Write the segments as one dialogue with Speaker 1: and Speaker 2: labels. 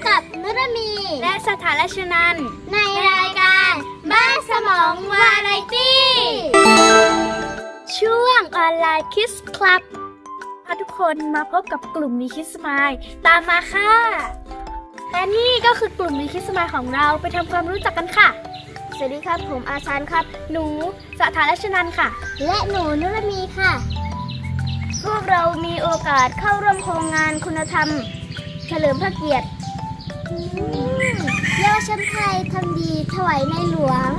Speaker 1: กับนุรมี
Speaker 2: และสถาราชนันท์
Speaker 1: ในรายการบ้านสมองวาไรตี้
Speaker 2: ช่วงออนไลน์คิสคลับพาทุกคนมาพบกับกลุ่มวีคิสมายตามมาค่ะและนี่ก็คือกลุ่มวีคิสมายของเราไปทำความรู้จักกันค่ะสวัสดีครับผมอาชานครับหนูสถาราชนันท์ค่ะ
Speaker 1: และหนูนุรมีค่ะ
Speaker 2: พวกเรามีโอกาสเข้าร่วมโครงงานคุณธรรมเฉลิมพระเกียรติ
Speaker 1: เยาวชนไทยทำดีถวายในหลวง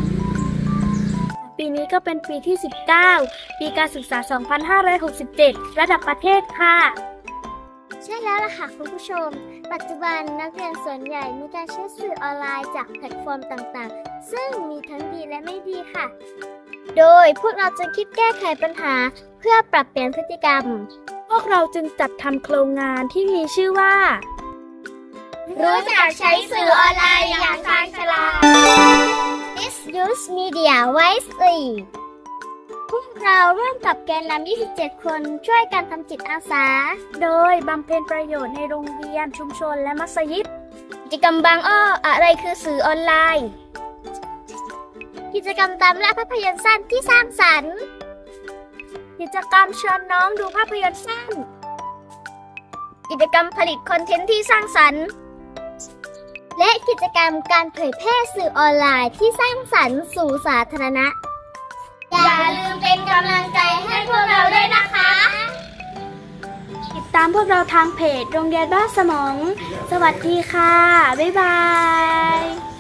Speaker 2: ปีนี้ก็เป็นปีที่ 19 ปีการศึกษา 2567 ระดับประเทศค่ะ
Speaker 1: ใช่แล้วล่ะค่ะคุณผู้ชมปัจจุบันนักเรียนส่วนใหญ่มีการใช้สื่อออนไลน์จากแพลตฟอร์มต่างๆซึ่งมีทั้งดีและไม่ดีค่ะโดยพวกเราจะคิดแก้ไขปัญหาเพื่อปรับเปลี่ยนพฤติกรรม
Speaker 2: พวกเราจึงจัดทำโครงงานที่มีชื่อว่า
Speaker 1: รู้จักใช้สื่อออนไลน์อย่างชาญฉลาด Use Media Wisely พวกเราร่วมกับแกนนำ27 คนช่วยกันทำจิตอาสา
Speaker 2: โดยบำเพ็ญประโยชน์ในโรงเรียนชุมชนและมัสยิด
Speaker 1: กิจกรรมบางอ้ออะไรคือสื่อออนไลน์กิจกรรมตามล่าภาพยนตร์สั้นที่สร้างสรรค์
Speaker 2: กิจกรรมชวนน้องดูภาพยนตร์สั้น
Speaker 1: กิจกรรมผลิตคอนเทนต์ที่สร้างสรรค์และกิจกรรมการเผยแพร่สื่อออนไลน์ที่สร้างสรรค์สู่สาธารณะอย่าลืมเป็นกำลังใจให้พวกเราด้วยนะคะ
Speaker 2: ติดตามพวกเราทางเพจโรงเรียนบ้านสมองสวัสดีค่ะบ๊ายบาย